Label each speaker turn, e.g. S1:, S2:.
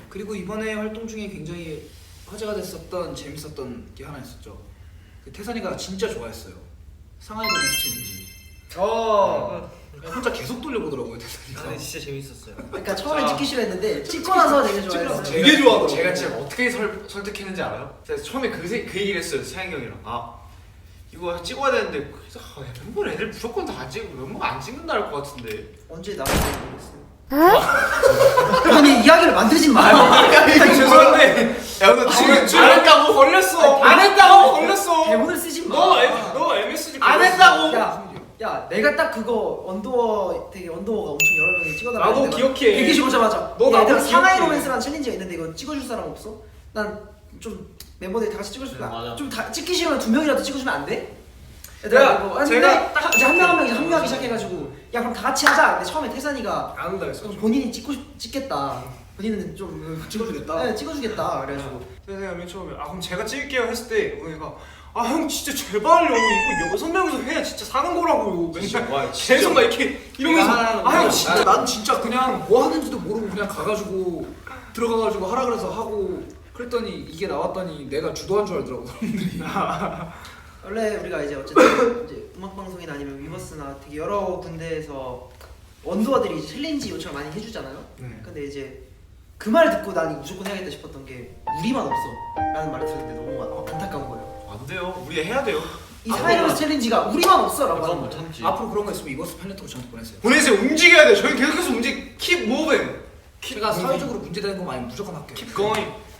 S1: 그리고 이번에 활동 중에 굉장히 화제가 됐었던 재밌었던 게 하나 있었죠. 그 태산이가 진짜 좋아했어요. 상하이도 넥스트 챌린지. 혼자 계속 돌려보더라고요 태산이가.
S2: 근데 진짜 재밌었어요.
S3: 그러니까 처음에 찍기 싫어했는데 찍고 나서 되게 좋아했어요.
S1: 되게 좋아하더라고요.
S4: 제가 진짜 어떻게 설득했는지 알아요? 제가 처음에 그 얘기를 했어요. 사영이 형이랑. 이거 찍어야 되는데 그래서 멤버 애들 무조건 다 안 찍고 멤버가 안 찍는다 할 것 같은데.
S3: 언제 나왔는지 모르겠어요. 아니 이야기를 만들지 마요.
S4: 죄송한데 야 너 지금 안 했다고 걸렸어. 안 했다고 걸렸어.
S3: 대본을 쓰지 마.
S4: 너 MSG
S3: 안 했다고. 야 내가 딱 그거 언더워 되게 언더워가 엄청 여러 명이 찍어달라고
S4: 나도 기억해.
S3: 대기실 오자마자
S4: 너 나도
S3: 얘들아 상하이
S4: 기억해.
S3: 로맨스라는 챌린지가 있는데 이거 찍어줄 사람 없어? 난 좀 멤버들이 다 같이 찍어줄 거야.
S2: 맞아.
S3: 좀 다 찍기 싫으면 2명이라도 찍어주면 안 돼?
S4: 야,
S3: 얘들아 이거
S4: 제가
S3: 제가 딱 이제 한 명 한 명 이제 합류하기 시작해가지고 야 그럼 다 같이 하자. 근데 처음에 태산이가
S4: 안 한다 했어.
S3: 본인이 찍겠다. 본인은 좀
S1: 찍어주겠다.
S3: 네, 찍어주겠다. 그래가지고
S4: 제가 맨 처음에 그럼 제가 찍을게요 했을 때 우리가 형 진짜 제발요 이거 6명이서 해야 진짜 사는 거라고요. 맨날 계속 막 이렇게 이러면서 형 진짜
S1: 난 진짜 그냥 뭐 하는지도 모르고 그냥 가가지고 들어가가지고 하라 그래서 하고 그랬더니 이게 나왔더니 내가 주도한 줄 알더라고 사람들이.
S3: 원래 우리가 이제 어쨌든 이제 음악 방송이나 아니면 위버스나 되게 여러 군데에서 원더들이 챌린지 요청을 많이 해주잖아요.
S4: 네.
S3: 근데 이제 그 말 듣고 난 무조건 해야겠다 싶었던 게 우리만 없어라는 말을 들었는데 너무 안타까운 거예요.
S4: 안 돼요. 우리 해야 돼요.
S3: 이 사이러스 챌린지가 우리만 없어라고 하는
S2: 못
S3: 거예요.
S2: 참지.
S1: 앞으로 그런 거 있으면 이버스 팬레터로 저한테 보내세요.
S4: 보내세요. 움직여야 돼. 저희 계속해서 keep moving.
S1: 제가 사회적으로 문제되는 거 많이 무조건 할게요.
S4: keep going.